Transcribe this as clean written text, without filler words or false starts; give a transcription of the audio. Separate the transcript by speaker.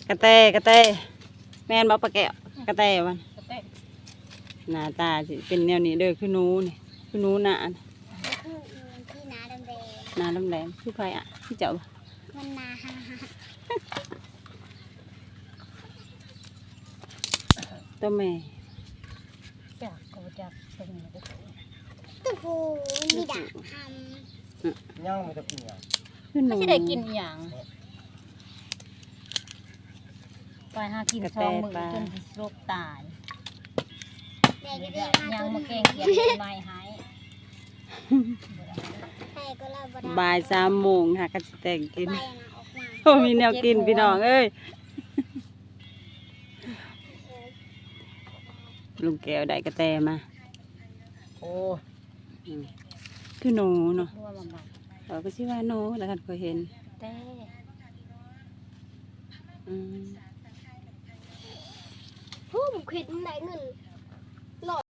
Speaker 1: กระแตกระแตแม่นบอกปลาแก้วกระแตวันหน้าตาสิเป็นแนวนี้เด้อคือหนูนี่คือหนูหน้า
Speaker 2: คือที่นาดำแดง
Speaker 1: หน้าแหลมๆคือใครอ่ะพี่เจ้า
Speaker 2: มันนาฮาฮา
Speaker 1: ตัวแม่
Speaker 3: จากก็จากตรงนี้
Speaker 2: ตุ๊ฟูมีดาบท
Speaker 4: ย่างมันจะกินอย่าง
Speaker 1: คือห
Speaker 3: ไม่
Speaker 1: นู
Speaker 3: ใช่ได้กินอหย่างไปหากินช่องมือจนโรคตาย
Speaker 2: ำแดงก็ได้
Speaker 3: ยังมาเก่งเกียนไม่หาย
Speaker 2: ใครก็เล่าบ่ได้
Speaker 1: บ่าย3 โมงค่ะก็สิแต่งกิน
Speaker 2: ใบนะออกมา
Speaker 1: โอ้มีแนวกินพี่น้องเอ้ยลุงแก้วได้กระแตมา
Speaker 4: โอ้
Speaker 1: อืมคือหนูเนาะ
Speaker 3: รัวมาบัก
Speaker 1: เราก็สิว่าหนูแล้วกันเคยเห็น
Speaker 3: แต่
Speaker 1: อืม
Speaker 2: ผู้ผมคิดมันได้เงิน